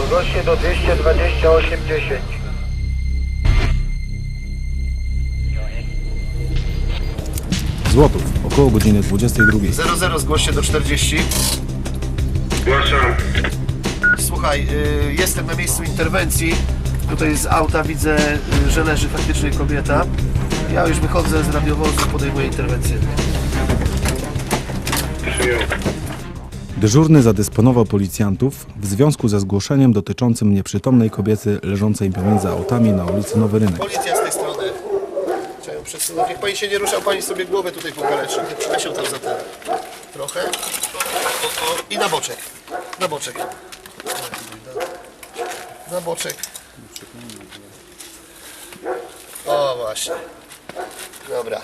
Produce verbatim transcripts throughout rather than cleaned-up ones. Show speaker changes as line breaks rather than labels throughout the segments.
zgłoś się do dwieście dwadzieścia osiem dziesięć.
Złotów, około godziny dwudziestej drugiej.
zero zero zgłoś się do czterdzieści.
Zgłaszam.
Słuchaj, y, jestem na miejscu interwencji. Tutaj z auta widzę, y, że leży faktycznie kobieta. Ja już wychodzę z radiowozu, podejmuję interwencję.
Przyjął.
Dyżurny zadysponował policjantów w związku ze zgłoszeniem dotyczącym nieprzytomnej kobiety leżącej pomiędzy autami na ulicy Nowy Rynek.
Policja z tej strony. Chciałem przesunąć. Niech pani się nie ruszał, pani sobie głowę tutaj pokaleczy. Przesiął tam za ten. Trochę. O, o, o. I na boczek. Na boczek. Na boczek. O, właśnie. Dobra.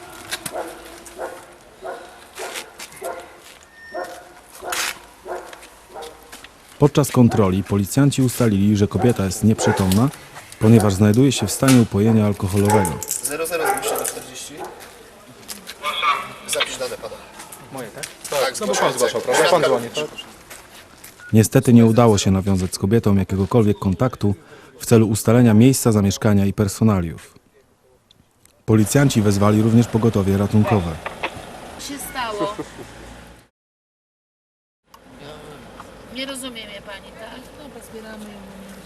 Podczas kontroli policjanci ustalili, że kobieta jest nieprzytomna, ponieważ znajduje się w stanie upojenia alkoholowego.
zero zero zgłoś się do czterdzieści. Zapisz dane pana.
Moje, tak?
Tak,
No bo pan zgłaszał, prawda?
Świadka
Pan dzwoni,
również.
tak?
Niestety nie udało się nawiązać z kobietą jakiegokolwiek kontaktu w celu ustalenia miejsca zamieszkania i personaliów. Policjanci wezwali również pogotowie ratunkowe.
się stało? Nie rozumie mnie pani, tak? Dobra, zbieramy ją.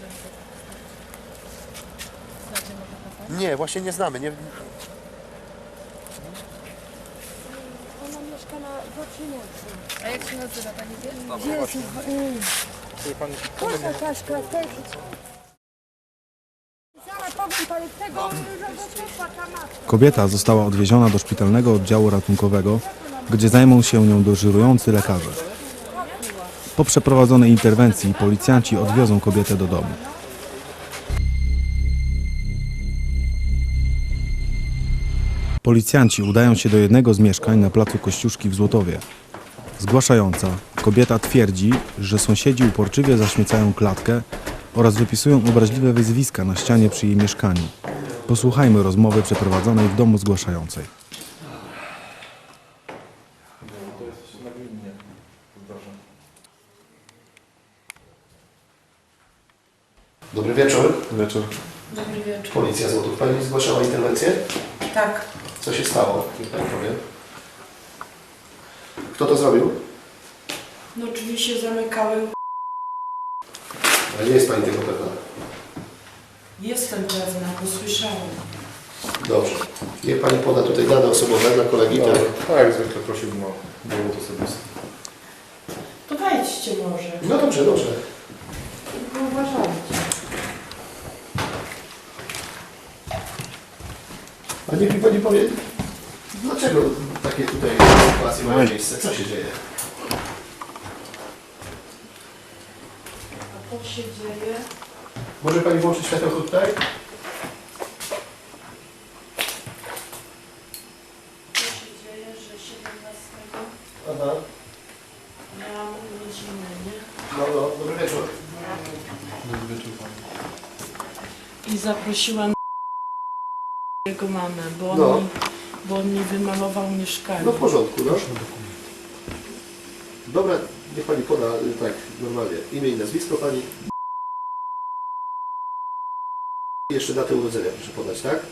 Znacie może to?
Nie, właśnie nie znamy. Nie...
Ona mieszka na Wocienicy.
A jak się nazywa pani wie?
Gdzie jest?
Czyli pan...
Proszę Kaszka, też. Zaraz powiem pani, tego różowego chłopaka matka.
Kobieta została odwieziona do szpitalnego oddziału ratunkowego, gdzie zajmą się nią dyżurujący lekarze. Po przeprowadzonej interwencji policjanci odwiozą kobietę do domu. Policjanci udają się do jednego z mieszkań na placu Kościuszki w Złotowie. Zgłaszająca, kobieta twierdzi, że sąsiedzi uporczywie zaśmiecają klatkę oraz wypisują obraźliwe wyzwiska na ścianie przy jej mieszkaniu. Posłuchajmy rozmowy przeprowadzonej w domu zgłaszającej.
Dobry wieczór.
Wieczór.
Dobry wieczór.
Policja Złotów. Pani zgłaszała interwencję?
Tak.
Co się stało? Niech pani powie. Kto to zrobił?
No drzwi się zamykały.
A nie jest pani tego pewna.
Jestem pewna, bo słyszałam.
Dobrze. Niech pani poda tutaj dane osobowe dla kolegi.
No,
Tak?
tak jak zwykle prosiłbym o dowód osobisty.
To wejdźcie może.
No dobrze, dobrze.
Tylko uważajcie.
A niech mi pani powie, dlaczego takie tutaj sytuacje mają miejsce? Co się dzieje?
A co się dzieje?
Może pani włączyć światełko tutaj?
Co się dzieje, że siedemnastego
Aha.
miałam urodziny, nie?
No, no, dobry wieczór.
I zaprosiłam jego mamę, bo on,
No.
mi, bo on mi wymalował mieszkanie.
No w porządku, no. Dobra, niech pani poda, y, tak, normalnie. Imię i nazwisko pani. I jeszcze datę urodzenia proszę podać, tak?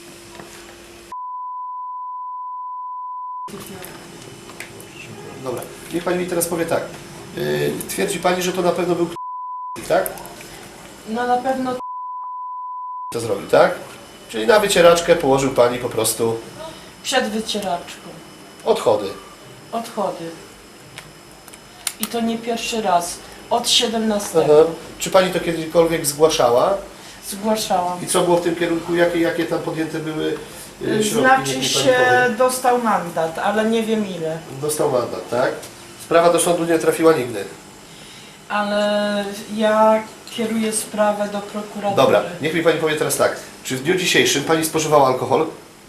Dobra, niech pani mi teraz powie tak. Yy, twierdzi pani, że to na pewno był tak?
No na pewno
To zrobił, tak? Czyli na wycieraczkę położył pani po prostu
przed wycieraczką.
odchody.
Odchody. I to nie pierwszy raz. Od siedemnastego
Aha. Czy pani to kiedykolwiek zgłaszała?
zgłaszałam.
I co było w tym kierunku? Jakie, jakie tam podjęte były y, środki?
Znaczy
Niech mi pani
się
powie.
dostał mandat, ale nie wiem ile.
Dostał mandat, tak? Sprawa do sądu nie trafiła nigdy.
Ale ja kieruję sprawę do prokuratury.
Dobra, niech mi pani powie teraz tak. Czy w dniu dzisiejszym pani spożywała alkohol?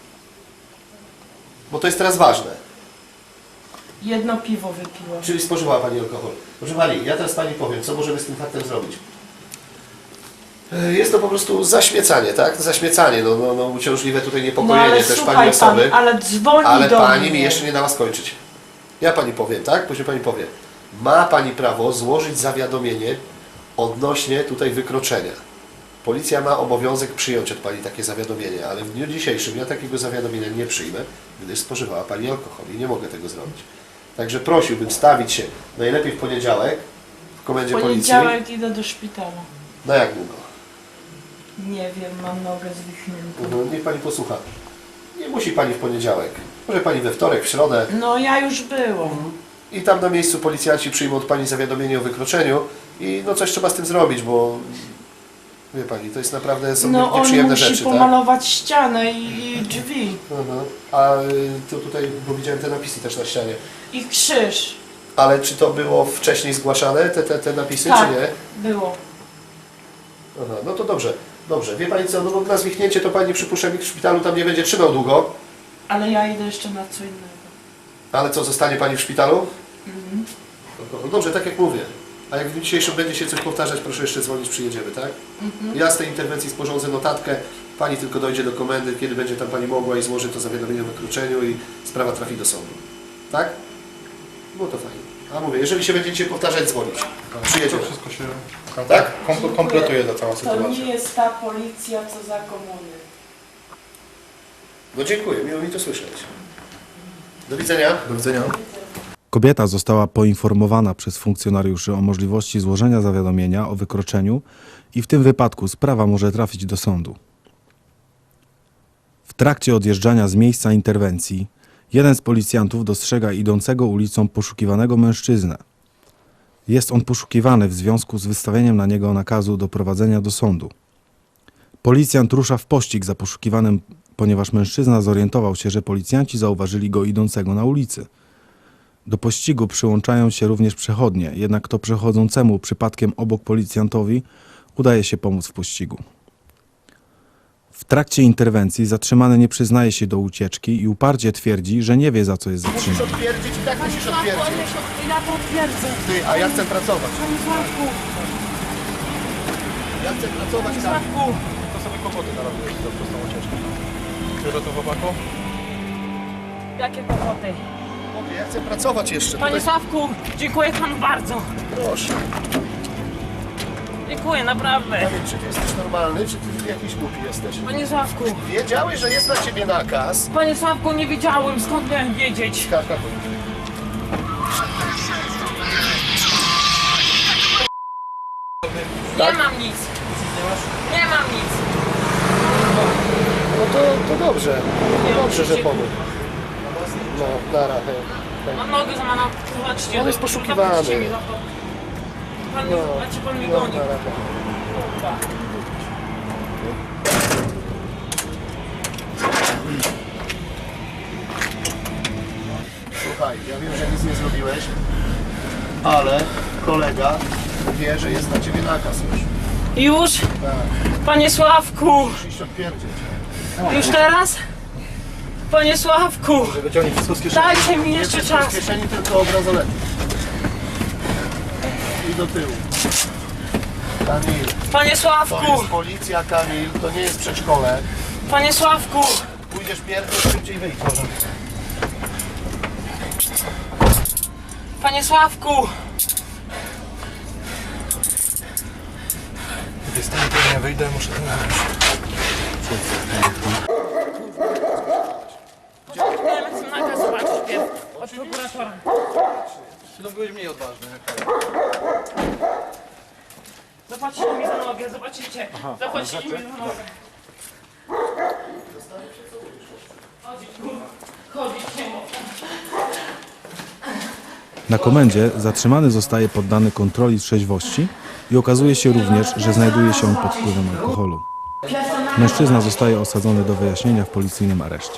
Bo to jest teraz ważne.
Jedno piwo wypiłam.
Czyli spożywała pani alkohol. Proszę pani, ja teraz pani powiem, co możemy z tym faktem zrobić. E, Jest to po prostu zaśmiecanie, tak? Zaśmiecanie, no, no, no uciążliwe tutaj
No
niepokojenie
ale
też
słuchaj
pani osoby.
pan, ale dzwoni
Ale
do
pani
mnie.
mi jeszcze nie dała skończyć. Ja pani powiem, tak? Później pani powie. Ma pani prawo złożyć zawiadomienie odnośnie tutaj wykroczenia. Policja ma obowiązek przyjąć od Pani takie zawiadomienie, ale w dniu dzisiejszym ja takiego zawiadomienia nie przyjmę, gdyż spożywała Pani alkohol i nie mogę tego zrobić. Także prosiłbym stawić się najlepiej w poniedziałek w komendzie
W
policji.
poniedziałek idę do szpitala.
Na jak długo?
Nie wiem, mam nogę zwichniętą.
Mhm, niech Pani posłucha. Nie musi Pani w poniedziałek. Może Pani we wtorek, w środę.
No ja już byłam.
I tam na miejscu policjanci przyjmą od Pani zawiadomienie o wykroczeniu i no coś trzeba z tym zrobić, bo wie Pani, to jest naprawdę są
No on
nieprzyjemne
musi
rzeczy, tak?
pomalować ścianę i, i drzwi.
Mhm. A y, to tutaj, bo widziałem te napisy też na ścianie.
I krzyż.
Ale czy to było wcześniej zgłaszane, te, te, te napisy,
Tak,
czy nie?
było.
Aha, no to dobrze, dobrze. Wie Pani co, no bo na zwichnięcie to Pani przypuszczam w szpitalu tam nie będzie trzymał długo.
Ale ja idę jeszcze na co innego.
Ale co, zostanie Pani w szpitalu?
Mhm.
No dobrze, tak jak mówię. A jak w dniu dzisiejszym będzie się coś powtarzać, proszę jeszcze dzwonić, przyjedziemy, tak?
Mhm.
Ja z tej interwencji sporządzę notatkę, Pani tylko dojdzie do komendy, kiedy będzie tam Pani mogła i złoży to zawiadomienie o wykroczeniu i sprawa trafi do sądu. Tak? Było to fajnie. A mówię, jeżeli się będziecie powtarzać, dzwonić. Przyjedziemy.
To wszystko się
Tak?
kom- kompletuje ta cała
To
sytuacja.
nie jest ta policja, co za komuny.
No dziękuję, miło mi to słyszeć. Do widzenia.
Do widzenia.
Kobieta została poinformowana przez funkcjonariuszy o możliwości złożenia zawiadomienia o wykroczeniu i w tym wypadku sprawa może trafić do sądu. W trakcie odjeżdżania z miejsca interwencji jeden z policjantów dostrzega idącego ulicą poszukiwanego mężczyznę. Jest on poszukiwany w związku z wystawieniem na niego nakazu doprowadzenia do sądu. Policjant rusza w pościg za poszukiwanym, ponieważ mężczyzna zorientował się, że policjanci zauważyli go idącego na ulicy. Do pościgu przyłączają się również przechodnie, jednak to przechodzącemu przypadkiem obok policjantowi udaje się pomóc w pościgu. W trakcie interwencji zatrzymany nie przyznaje się do ucieczki i uparcie twierdzi, że nie wie, za co jest
Musisz
zatrzymany.
odpierdzić i tak musisz odpierdzić.
Ja to twierdzę.
Ty, a ja chcę pracować.
Panie Sławku,
Ja chcę pracować tam.
Sławku.
To sobie kłopoty narobiłeś za prostą ucieczkę. Biorę to chłopaku?
Jakie kłopoty?
Mówię, ja chcę pracować jeszcze.
Panie
Tutaj...
Sławku, dziękuję panu bardzo.
Proszę.
Dziękuję, naprawdę.
Kamil, czy ty jesteś normalny, czy ty jakiś głupi jesteś?
Panie Sławku,
Wiedziałeś, że jest na ciebie nakaz?
panie Sławku, nie wiedziałem, skąd miałem wiedzieć.
Karta.
Nie mam nic. Nie mam nic.
No to, to dobrze. To dobrze, że pomógł. No, nara, hej. hej.
Mam nogę złamaną. Zobaczcie.
On jest poszukiwany.
Zobaczcie mi za to. Pan,
No,
znaczy pan mi
no,
goni.
nara, hej.
Kurwa.
Słuchaj, ja wiem, że nic nie zrobiłeś, ale kolega wie, że jest na ciebie nakaz już.
Już?
Tak,
Panie Sławku.
musisz iść odpierdzieć.
Już teraz? Panie Sławku.
Wyciągnij wszystko z kieszeni.
Dajcie mi
Nie
jeszcze
wszystko
czas.
z kieszeni, tylko obrazoletki. I do tyłu. Kamil,
Panie
to
Sławku.
jest policja, Kamil, to nie jest przedszkole.
Panie Sławku.
Pójdziesz pierdol, szybciej wyjdź może.
Panie Sławku.
Gdy stanie, to nie wyjdę, muszę to nagrać.
Potrzebujemy nakaz zobaczyć pierw. Od prokuratora.
No byłeś mniej odważny.
Zobaczcie mi za nogę, zobaczycie. Zobaczycie mi za nogę. Chodzić, kurwa. Chodzić nie mogę.
Na komendzie zatrzymany zostaje poddany kontroli trzeźwości i okazuje się również, że znajduje się on pod wpływem alkoholu. Mężczyzna zostaje osadzony do wyjaśnienia w policyjnym areszcie.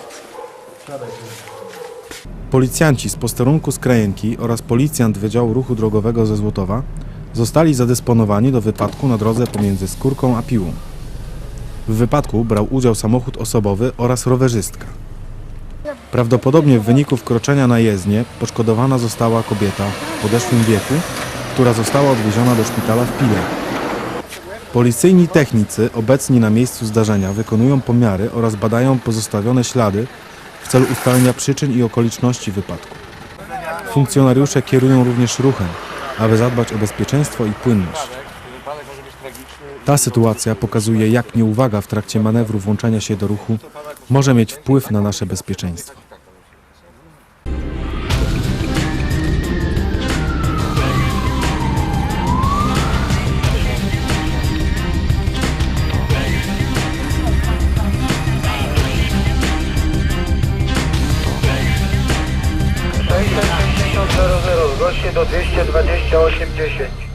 Policjanci z posterunku z Krajenki oraz policjant Wydziału Ruchu Drogowego ze Złotowa zostali zadysponowani do wypadku na drodze pomiędzy Skórką a Piłą. W wypadku brał udział samochód osobowy oraz rowerzystka. Prawdopodobnie w wyniku wkroczenia na jezdnię poszkodowana została kobieta w podeszłym wieku, która została odwieziona do szpitala w Pile. Policyjni technicy obecni na miejscu zdarzenia wykonują pomiary oraz badają pozostawione ślady w celu ustalenia przyczyn i okoliczności wypadku. Funkcjonariusze kierują również ruchem, aby zadbać o bezpieczeństwo i płynność. Ta sytuacja pokazuje, jak nieuwaga w trakcie manewru włączania się do ruchu może mieć wpływ na nasze bezpieczeństwo.
sześćset sześćdziesiąt zero zero, zgłoś się do dwieście dwadzieścia osiem dziesięć.